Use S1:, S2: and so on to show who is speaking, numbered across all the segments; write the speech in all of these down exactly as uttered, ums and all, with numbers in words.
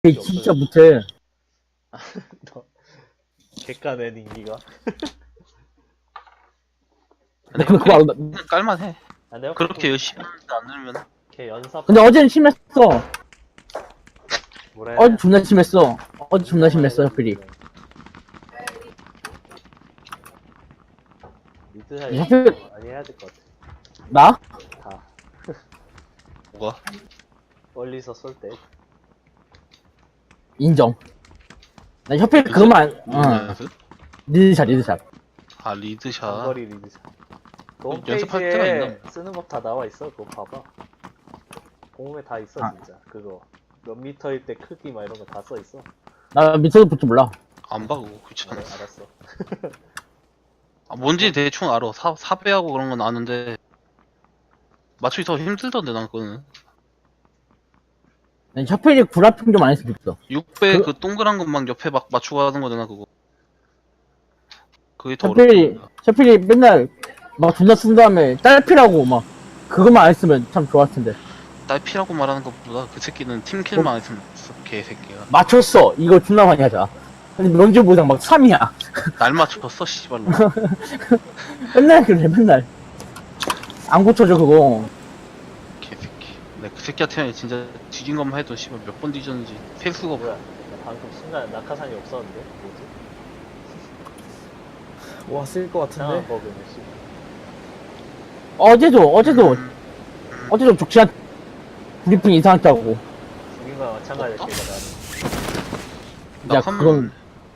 S1: 걔 진짜 못해.
S2: 너 객관의 인기가.
S1: 근데 근데 그거 알아.
S3: 그냥 깔만해.
S2: 아, 내가
S3: 그렇게 열심히 하는데 안 늘면
S2: 걔 연습.
S1: 근데 어제는 심했어.
S2: 뭐래?
S1: 어제 존나 심했어. 어제 존나 심했어, 혈필이.
S2: 미드 사이
S1: 혈필,
S2: 많이 해야 될 것 같아.
S1: 나?
S2: 다
S3: 뭐가?
S2: 멀리서 쏠 때.
S1: 인정. 나 혈필 그거만, 안- 어.
S3: 연습?
S1: 리드샷, 리드샷.
S3: 아 리드샷.
S2: 장거리 리드샷. 그
S3: 연습할 때가
S2: 홈페이지에
S3: 있나?
S2: 쓰는 법 다 나와 있어. 그거 봐봐. 공홈에 다 있어
S1: 아.
S2: 진짜. 그거 몇 미터일 때 크기 막 이런 거 다 써 있어.
S1: 나 밑에도 볼줄 몰라.
S3: 안 봐, 그거
S2: 어,
S3: 귀찮아.
S2: 알았어.
S3: 아, 뭔지 대충 알아. 사, 사배하고 그런 건 아는데 맞추기 더 힘들던데 난 그거는.
S1: 난 혈필이 구라핑 좀 안 했으면 좋겠어.
S3: 육 배
S1: 그-
S3: 그, 동그란 것만 옆에 막 맞추고 하는 거잖아 그거. 그게 더
S1: 혈필이,
S3: 어렵다.
S1: 혈필이 맨날 막 존나 쓴 다음에 딸피라고 막 그것만 안 했으면 참 좋았을 텐데.
S3: 딸피라고 말하는 것보다 그 새끼는 팀킬만 안 했으면 좋겠어, 개새끼가.
S1: 맞췄어. 이거 존나 많이 하자. 근데 명절 보상 막 삼이야.
S3: 날 맞췄어 씨발로.
S1: 맨날 그래, 맨날. 안 고쳐줘, 그거.
S3: 개새끼. 내가 그 새끼한테 진짜 뒤진 것만 해도 씨발 몇 번 뒤졌는지 셀 수가 없어.
S2: 뭐야? 나 방금 순간 낙하산이 없었는데 뭐지?
S4: 와, 쓸 것
S2: 이상한
S4: 같은데?
S2: 버그네 씨.
S1: 어제도, 어제도,
S3: 음,
S1: 어제도 족치한 브리핑 이상하게 하고.
S2: 죽인 거랑 마찬가지야
S3: 어?
S2: 걔가
S1: 야,
S3: 낙하면-
S1: 그건,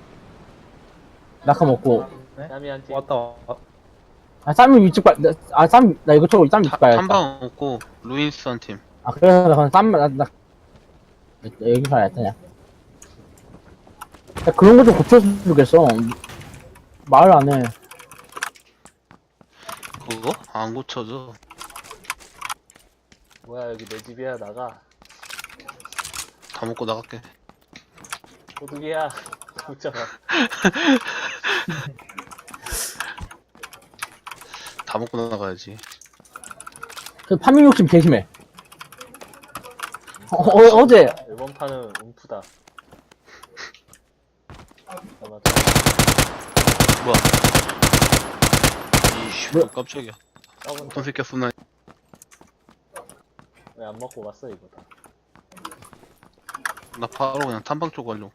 S1: 낙하 먹고.
S2: 나는. 땀이한테
S4: 왔다, 왔다.
S1: 아, 쌈이 위쪽 봐, 나, 아, 쌈, 나 이것저것 쌈 위쪽 봐야겠다.
S3: 탐방 없고 루인스 한 팀.
S1: 아, 그래서 나 그냥 쌈, 나, 나, 여기 봐야겠다, 그냥. 야, 그런 거 좀 고쳤으면 좋겠어. 말 안 해.
S3: 그거? 안 고쳐져.
S2: 뭐야 여기 내 집이야 나가.
S3: 다 먹고 나갈게.
S2: 도둑이야. 웃잖아.
S3: 다 먹고 나가야지.
S1: 그 파밍 욕심 개심해. 어, 어, 어제,
S2: 이번 판은 움프다. 잠깐만.
S3: 뭐야? 이씨,
S1: 뭐야?
S3: 깜짝이야.
S2: 썩은
S3: 어떤 새끼야 쏘나?
S2: 왜안 먹고 갔어 이거 다.
S3: 나 바로 그냥 탐방 쪽 가려고.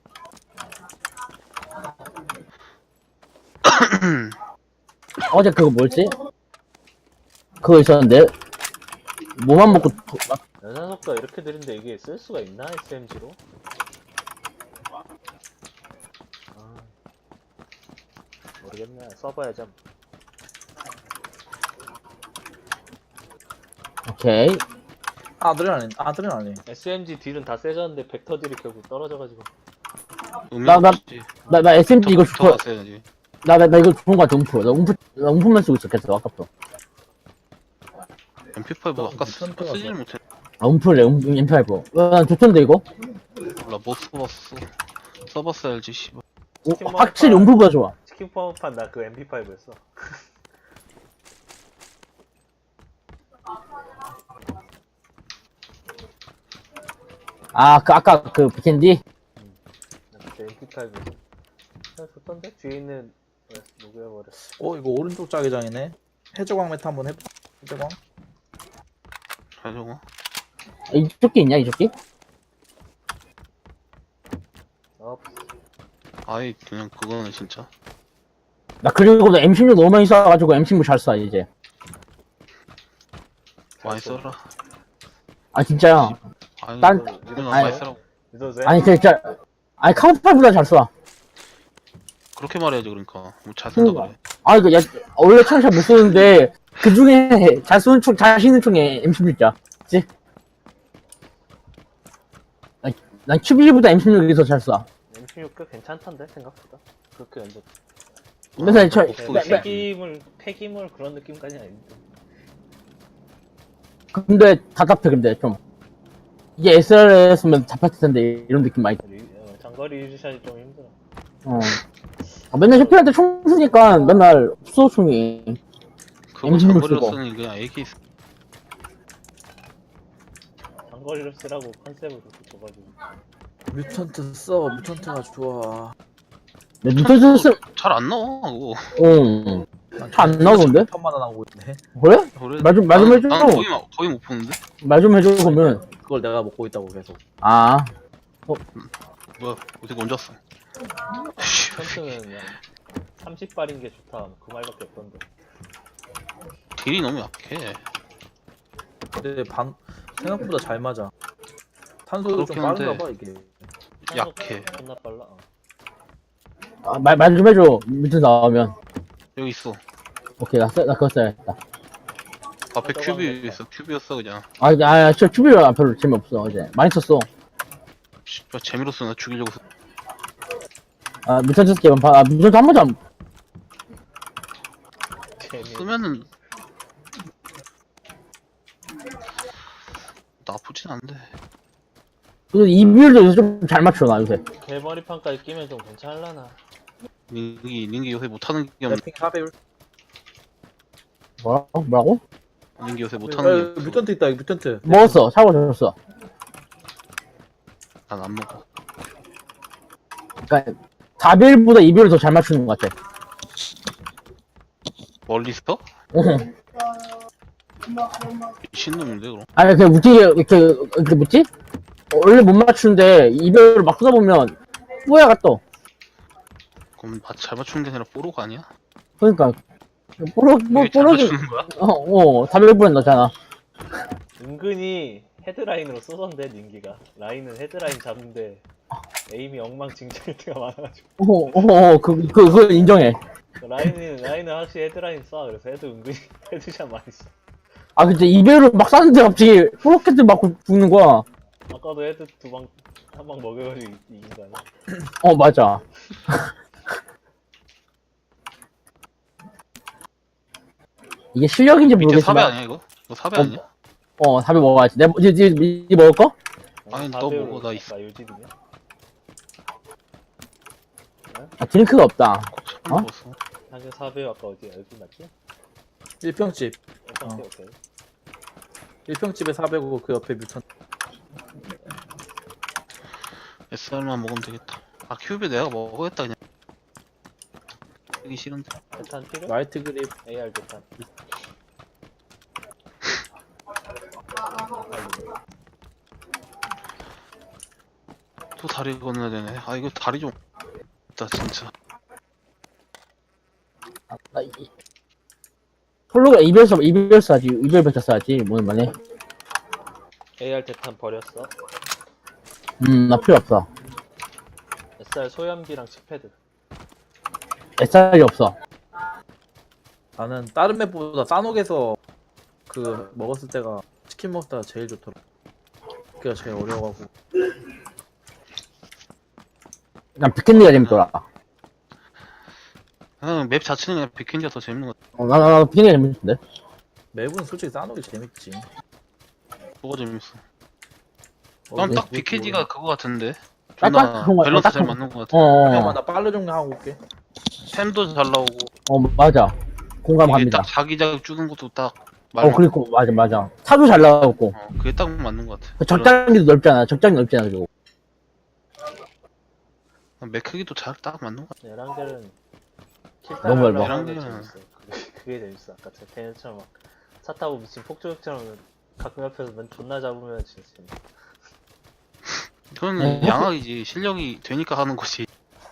S1: 어제 그거 뭐였지? 그거 있었는데, 뭐만 먹고, 도- 막,
S2: 연산 속도가 이렇게 느린데 이게 쓸 수가 있나 에스엠지로? 아, 모르겠네. 써봐야지. 한번.
S1: 오케이.
S4: 아드레날린, 아드레날린.
S2: 에스엠지 딜은 다 세졌는데 벡터 딜이 결국 떨어져가지고.
S1: 나- 나- 나, 나 에스엠지 이거
S3: 더
S1: 좋아.
S3: 갔어야지.
S1: 나, 나, 나 이거 좋은 거 같아, 움프. 나 움프, 나 움프만 쓰고 있었겠어, 아깝다.
S3: 엠피파이브 아까 쓰,
S4: 무슨 표가
S3: 쓰질 못해.
S1: 아, 움프래, 움, 엠피파이브. 와, 난 좋던데, 이거?
S3: 몰라, 못 써봤어. 써봤어야지, 씨발.
S1: 오,
S2: 치킨
S1: 확실히
S2: 먹을까?
S1: 움프가 좋아.
S2: 치킨 파워판 나 그 엠피파이브였어.
S1: 아, 그, 아까 그, 비켄디?
S2: 나 그때 엠피파이브였어. 아, 좋던데? 뒤에 있는 왜 녹여버렸어.
S4: 어, 이거 오른쪽 자기장이네. 해적왕 메타 한번 해봐. 해적왕.
S3: 잘 적어.
S1: 아, 이쪽 게 있냐, 이쪽 게?
S2: 어,
S3: 아이, 그냥 그거는 진짜.
S1: 나 그리고 나 엠십육 너무 많이 써가지고 엠십육 잘 써, 이제.
S3: 많이 써라.
S1: 아, 진짜야.
S3: 아니,
S1: 난-
S3: 이건
S1: 아니,
S3: 많이 쓰라고.
S2: 믿어도 돼?
S1: 아니, 진짜. 아니, 카운터파이보다 잘 써.
S3: 그렇게 말해야지, 그러니까. 뭐잘 쓴다 그래.
S1: 아, 이거, 야, 원래 총 잘 못 쏘는데, 그 중에 잘 쏘는 총, 잘 쏘는 총에 엠십육이야. 그치? 난, 난 큐비보다 엠십육이 더 잘 쏴.
S2: 엠십육 꽤 괜찮던데 생각보다. 그렇게 연적.
S1: 맨날 저,
S3: 못 쏘겠어.
S1: 매- 매-
S2: 폐기물 폐기물 그런 느낌까지는 아닌데.
S1: 근데 답답해, 근데 좀. 이게 에스알에스면 잡혔을 텐데, 이런 느낌 많이.
S2: 리- 어, 장거리 유지샷이 좀 힘들어.
S1: 어. 아, 맨날 셰필한테 총 쓰니까 맨날 없어, 총이.
S3: 그거
S1: 엠십육
S3: 장거리로
S1: 쓰고.
S3: 쓰니 그냥 에이케이 쓰.
S2: 장거리로 쓰라고 컨셉을 그렇게 줘가지고.
S4: 뮤턴트 써. 뮤턴트가 좋아.
S1: 내 뮤턴트 쓰,
S3: 잘 안 나와 그거.
S1: 응. 안 나오던데?
S4: 뮤턴만 나오고 있네.
S1: 그래?
S3: 그래?
S1: 말 좀, 말 좀
S3: 나는-
S1: 해줘.
S3: 나는 거의, 마- 거의 못 보는데?
S1: 말 좀 해줘, 그러면.
S4: 그걸 내가 먹고 있다고 계속.
S1: 아,
S3: 뭐야 어떻게 언제 왔어?
S2: 턴트는 그냥 삼십 발인 게 좋다. 그 말밖에 없던데.
S3: 딜이 너무 약해.
S4: 근데 방 생각보다 잘 맞아. 탄소도 좀
S3: 그렇긴 한데.
S4: 빠른가 봐 이게.
S3: 약해.
S2: 존나 빨라. 어.
S1: 아 말, 말 좀 해줘. 뮤턴트 나오면.
S3: 여기 있어.
S1: 오케이, 나, 써, 나 그거 써야겠다.
S3: 앞에
S2: 저거
S3: 큐비
S2: 하면
S3: 있어. 큐비였어 그냥.
S1: 아, 아, 저 큐비가 별로 재미없어, 어제. 많이 썼어.
S3: 씨발 재미로 쓰나 죽이려고 써.
S1: 아, 뮤턴트 스케만 봐. 아, 뮤턴트 한 번도 안,
S2: 재미.
S3: 쓰면은 나쁘진 않은데.
S1: 그래도 이 비율도 좀 잘 맞춰, 나 요새.
S2: 개머리판까지 끼면 좀 괜찮을라나.
S3: 링기 링기 요새 못하는 게 없.
S4: 래핑 사 배율.
S1: 뭐라고? 뭐라고?
S3: 링기 요새
S4: 어,
S3: 못하는 게 없어.
S4: 뮤턴트 있다. 이거 뮤턴트.
S1: 먹었어. 사고 줬어.
S3: 난 안 먹어.
S1: 그니까, 사 비율보다 이 비율을 더 잘 맞추는 것 같아.
S3: 멀리서?
S1: 어.
S3: 미친놈인데 그럼.
S1: 아니, 그, 웃기게, 그, 그, 뭐지? 원래 못 맞추는데, 이 비율을 막 쓰다 보면, 뿌야가 떠.
S3: 그럼 마- 잘 맞추는 게 아니라 뽀로가 아니야?
S1: 그러니까 뽀록 뭐
S3: 이게 잘
S1: 뽀록이
S3: 맞추는 거야?
S1: 어어 사백 분에 넣잖아.
S2: 은근히 헤드라인으로 쏘던데 닌기가. 라인은 헤드라인 잡는데 에임이 엉망진창일 때가 많아가지고.
S1: 어어그 그 그걸 인정해.
S2: 라인은 라인은 확실히 헤드라인 쏴. 그래서 헤드 은근히 헤드샷 많이 쏴.
S1: 아 근데 이별을 막 쐈는데 갑자기 포로켓을 맞고 죽는 거야.
S2: 아까도 헤드 두 방 한 방 먹여가지고 이- 이긴 거 아니야?
S1: 어 맞아. 이게 실력인지
S3: 밑에 사배
S1: 모르겠지만
S3: 아니야 이거? 이거 사배
S1: 어,
S3: 아니야?
S1: 어 사배 먹어야지. 내 이제 이제 이 먹을 거?
S3: 아니, 너
S2: 사 배율
S3: 먹어, 나 있어.
S2: 나 요집이냐?
S1: 아 드링크가 없다.
S3: 처음
S1: 어?
S3: 먹었어.
S2: 한개 사 배율 아까 어디야? 여기 맞지?
S4: 일평집.
S2: 어, 오케이 오케이.
S4: 일평집에 사 배고 그 옆에 뮤턴트.
S3: 에스알만 먹으면 되겠다. 아 큐비 내가 먹어야겠다 그냥. 하기 싫은데.
S2: 대탄 필요?
S4: 라이트 그립.
S2: 에이알 대탄.
S3: 또 다리 건너야 되네. 아 이거 다리 좀. 나 진짜.
S1: 아, 이... 폴로가 이별 써 이별 써야지. 이별 배차 써야지. 뭐는 말해.
S2: 에이알 대탄 버렸어.
S1: 음나 필요 없어.
S2: 에스알 소염기랑 칩패드.
S1: 에스알이 없어.
S4: 나는 다른 맵보다 싸녹에서 그 먹었을 때가 치킨 먹을 때가 제일 좋더라. 그게 제일 어려워가고.
S1: 난 비켄디가 재밌더라.
S3: 그냥 맵 자체는 그냥 비켄디가 더 재밌는 것 같아.
S1: 어, 나, 나, 나 비켄디가 재밌던데.
S4: 맵은 솔직히 싸녹이 재밌지.
S3: 뭐가 재밌어.
S4: 어,
S3: 난 딱
S4: 뭐-
S3: 비켄디가 그거 같은데.
S1: 딱-
S3: 존나
S1: 딱 그런 거-
S3: 밸런스
S1: 딱
S3: 잘
S1: 그런
S3: 맞는 것 같아.
S1: 어,
S4: 잠깐만
S1: 어,
S4: 나 빨래 정리하고 올게.
S3: 템도 잘 나오고.
S1: 어, 맞아.
S3: 이게
S1: 공감합니다.
S3: 딱 자기자기 주는 것도 딱.
S1: 어, 그리고, 맞아, 맞아. 차도 잘 나왔고.
S3: 어, 그게 딱 맞는 것 같아.
S1: 그 적장기도 넓잖아. 적장이 넓잖아, 그리고.
S3: 맥 크기도 잘 딱 맞는 것 같아.
S2: 에란겔은
S1: 너무 얇아.
S2: 하는 게
S3: 에란겔은-
S2: 재밌어. 그게, 그게 재밌어. 아까 제 걔네처럼 막 차 타고 미친 폭주족처럼 가끔 옆에서 맨 존나 잡으면 진짜 재밌어.
S3: 그건
S1: 어?
S3: 양악이지. 실력이 되니까 하는 거지.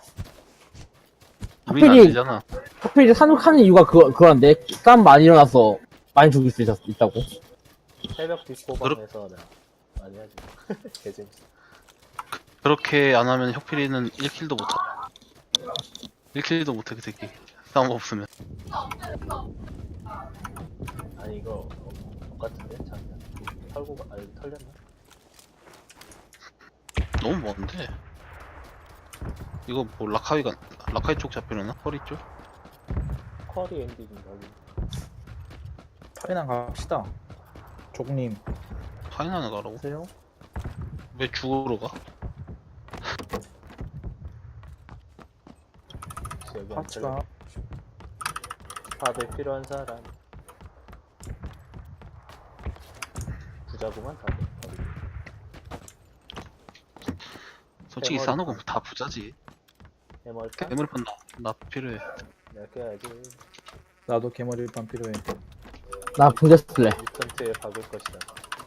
S3: 우리는 안
S1: 하필이-
S3: 되잖아.
S1: 하필 이제 산옥하는 이유가 그거, 그건데, 싸움 많이 일어나서 많이 죽일 수 있었, 있다고.
S2: 새벽 뒷고방에서 내가 많이 하지. 개 재밌어.
S3: 그렇게 안 하면 혁필이는 일 킬도 못 하. 일 킬도 못해 그 새끼. 싸움 없으면.
S2: 아니 이거 어, 똑같은데? 잠깐 털고 가, 아니 털렸나?
S3: 너무 먼데. 이거 뭐 라카이가 라카이 쪽 잡히려나? 허리 쪽?
S2: 쿼리 엔딩인가?
S4: 파이난 갑시다. 족님.
S3: 파이나는 가라고?
S4: 하세요?
S3: 왜 죽으러 가?
S2: 혹시 여기 안
S4: 파츠가
S2: 털려? 밥에 필요한 사람 부자구만 다들. 어디?
S3: 솔직히
S2: 개머리
S3: 싸놓고 다 부자지.
S2: 해멀까?
S3: 개머리판 나, 나 필요해.
S2: 내가 껴야지.
S4: 나도 개머리 일반 필요해.
S1: 나 붕대 쓸래.
S2: 뮤턴트에 박을 것이다.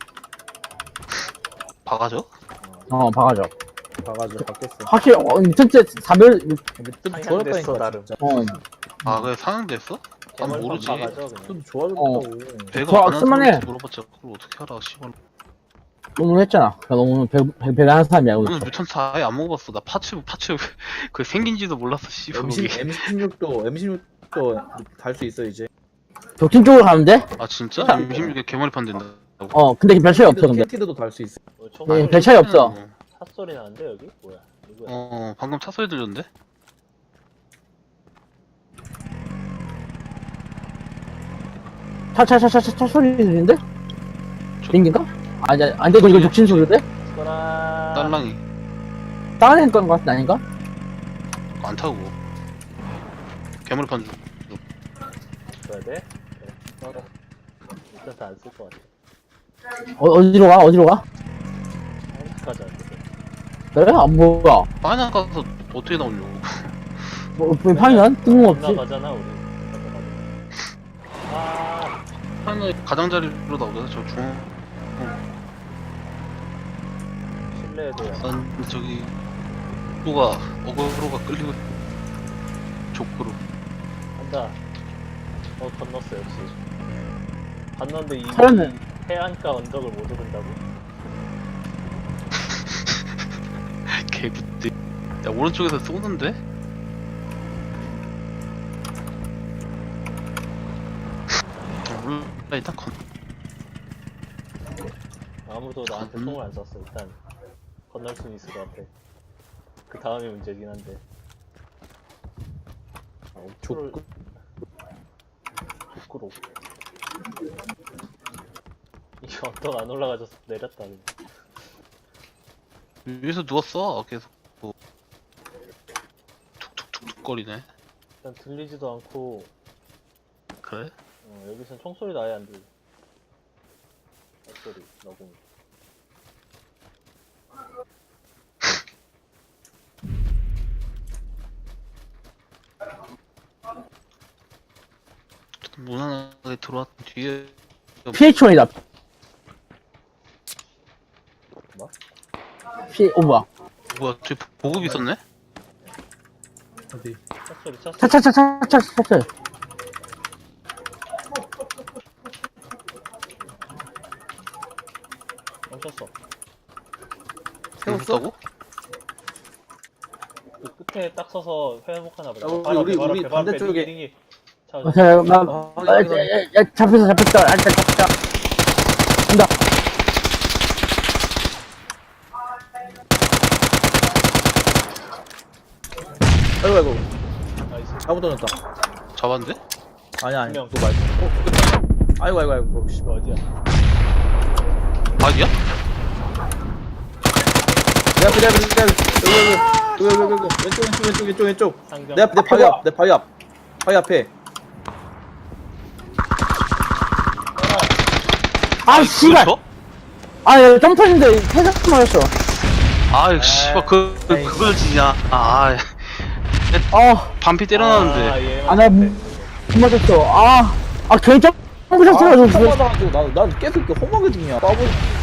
S3: 박아줘?
S1: 어, 박아줘.
S4: 봐가지고 바뀌었어.
S1: 확실히, 어, 미천째 사별,
S4: 근데 뜻
S2: 상향됐어,
S4: 좋아졌다니까
S2: 나름.
S4: 진짜.
S1: 어,
S3: 아 그래 상향됐어? 난
S2: 개멀판
S3: 모르지.
S2: 박아줘 그냥.
S4: 뜻 좋아졌다고.
S3: 배가
S1: 좋아,
S3: 안한
S1: 쓸만해.
S3: 사람한테 물어봤자 그걸 어떻게 알아 씨발.
S1: 너무 했잖아. 나 너무 배, 배, 배가 하는 사람이야.
S3: 오늘 뮤턴트 아예 안 먹어봤어. 나 파츠 파츠 그 생긴지도 몰랐어 씨발.
S4: 엠 십,
S3: 거기.
S4: 엠 십육도 엠 십육도 달 수 있어 이제.
S1: 독진 쪽으로 가면 돼?
S3: 아 진짜?
S1: 아,
S3: 임십육에 개머리판 된다.
S1: 어, 근데 별 차이 없어, 근데.
S4: 캔티드도 달 수 있어.
S2: 뭐
S1: 네,
S2: 총소리,
S1: 별 차이 없어.
S2: 핫소리 나는데 여기? 뭐야? 누구야?
S3: 어 방금 차 소리 들렸는데?
S1: 차, 차, 차, 차, 차, 차 소리 들리는데?
S3: 저-
S1: 비행기인가? 아니, 아니, 아니, 이거, 이거 독진 소리인데?
S2: 스거라.
S3: 딸랑이
S1: 다른 애건 것 같은 아닌가?
S3: 안 타고. 개머리판
S2: 줘야 돼? 그래. 스거라. 뮤턴트 안 쓸 것 같아.
S1: 어, 어디로 가? 어디로 가?
S2: 한국까지 안 돼.
S1: 그래? 아, 뭐야.
S3: 파이널 가서 어떻게 나오려고?
S1: 뭐, 뭐 파이난? 뜬금없지.
S2: 건너가잖아 우리. 건너가잖아. 아,
S3: 파이널 가장자리로 나오잖아 저 중.
S2: 실내에도 약간
S3: 난 저기 또가 어그로가 끌리고 족구로.
S2: 한다. 어 건넜어 역시. 갔는데 이,
S1: 살았네.
S2: 이 해안가 언덕을 못 오른다고?
S3: 개부띠. 야 오른쪽에서 쏘는데? 몰라 일단 건.
S2: 아무도 나한테
S3: 음.
S2: 총을 안 쐈어. 일단 건널 수는 있을 것 같아. 그 다음이 문제긴 한데. 아, 옥토를
S4: 족구.
S2: 족구로. 이게 언덕 안 올라가져서 내렸다. 그냥.
S3: 위에서 누웠어 계속. 뭐. 툭툭툭툭 거리네.
S2: 일단 들리지도 않고
S3: 그래?
S2: 어, 여기선 총소리도 아예 안 들려. 소리 너무.
S3: 무난하게 들어왔던 뒤에
S1: 피에이치원이다.
S2: 뭐?
S1: 피, 오, 뭐야.
S3: 뭐야 저기 보급 있었네?
S4: 어디?
S2: 차 소리 차
S1: 차,
S2: 소리.
S1: 차, 차, 차, 차, 차, 차.
S2: 멈췄어.
S3: 세웠다고?
S2: 그 끝에 딱 서서 회복하나 보다.
S4: 야, 우리-
S2: 바로 앞에,
S4: 우리-
S2: 바로
S4: 우리
S2: 앞에, 바로 앞에,
S4: 반대쪽에.
S2: 딩기, 딩기. 자,
S1: 어, 자, 나,
S4: 아,
S1: 아, 야, 야, 야, 잡혔어, 잡혔다. 아, 일단 잡혔다. 간다.
S4: 아이고 아이고.
S2: 나이스.
S4: 잘못 던졌다.
S3: 잡았는데?
S4: 아니 아니.
S2: 분명.
S4: 그거 말고. 어, 죽겠다. 아이고 아이고 아이고. 씨.
S2: 이거 어디야?
S3: 아니야?
S4: 내 앞에 내 앞에 내 앞에. 여기 여기 여기 여기 여기 왼쪽 왼쪽 왼쪽 왼쪽 왼쪽.
S2: 상점.
S4: 내 앞에 내 바위 앞. 내 바위 앞. 바위 앞에.
S1: 아, 씨발.
S3: 그거 쳐?
S1: 아, 야, 점프했는데, 회사 맞았어.
S3: 아이 씨발 그, 그
S4: 아이고.
S3: 그걸 지냐? 아
S1: 어,
S3: 반피
S2: 아,
S3: 때려놨는데.
S2: 얘
S1: 아, 나, 못 맞았어. 아, 아, 괜히 점프
S4: 아,
S1: 샷해가지고.
S4: 한 맞아가지고 나난 계속 이렇게 험하게 죽냐. 까불.